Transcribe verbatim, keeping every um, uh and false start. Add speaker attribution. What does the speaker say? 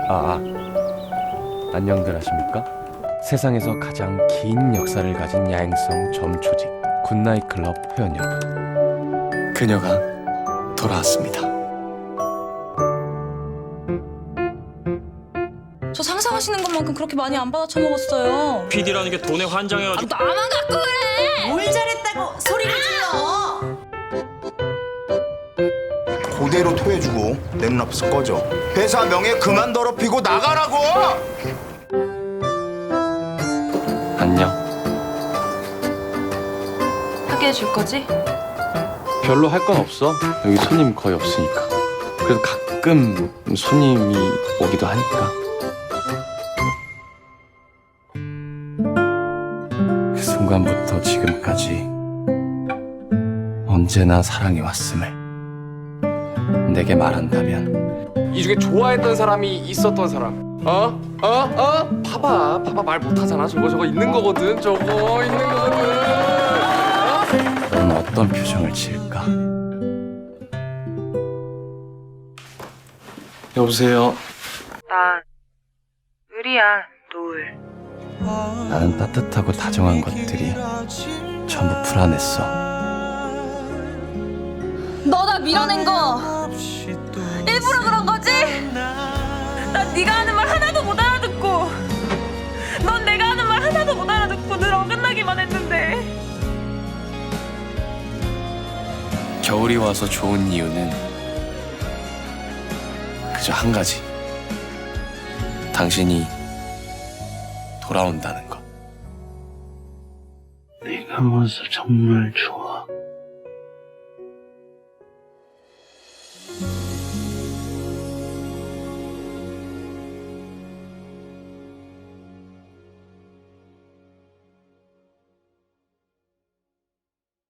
Speaker 1: 아, 아, 안녕들 하십니까? 세상에서 가장 긴 역사를 가진 야행성 점초직 굿나잇 클럽 회원 여러분, 그녀가 돌아왔습니다.
Speaker 2: 저 상상하시는 것만큼 그렇게 많이 안 받아 처먹었어요.
Speaker 3: 피디라는 게 돈에 환장해가지고.
Speaker 2: 아, 나만 갖고 그래!
Speaker 4: 뭘 잘했다고 소리를 질러.
Speaker 5: 그대로 토해주고 랩랍스 꺼져. 회사 명예 그만 더럽히고 나가라고.
Speaker 1: 안녕.
Speaker 2: 하게 해줄 거지?
Speaker 1: 별로 할 건 없어. 여기 손님 거의 없으니까. 그래도 가끔 손님이 오기도 하니까. 그 순간부터 지금까지 언제나 사랑해 왔음을 내게 말한다면,
Speaker 6: 이 중에 좋아했던 사람이 있었던 사람. 어? 어? 어? 봐봐. 봐봐. 말 못하잖아. 저거 저거 있는 거거든. 저거 있는 거거든.
Speaker 1: 넌 어떤 표정을 지을까? 여보세요.
Speaker 7: 나 의리야, 노을.
Speaker 1: 나는 따뜻하고 다정한 것들이 전부 불안했어.
Speaker 2: 너 나 밀어낸 거 일부러 그런 거지? 난 네가 하는 말 하나도 못 알아듣고, 넌 내가 하는 말 하나도 못 알아듣고 늘 어긋나기만 했는데.
Speaker 1: 겨울이 와서 좋은 이유는 그저 한 가지. 당신이 돌아온다는 것.
Speaker 8: 내가 와서 정말 좋아.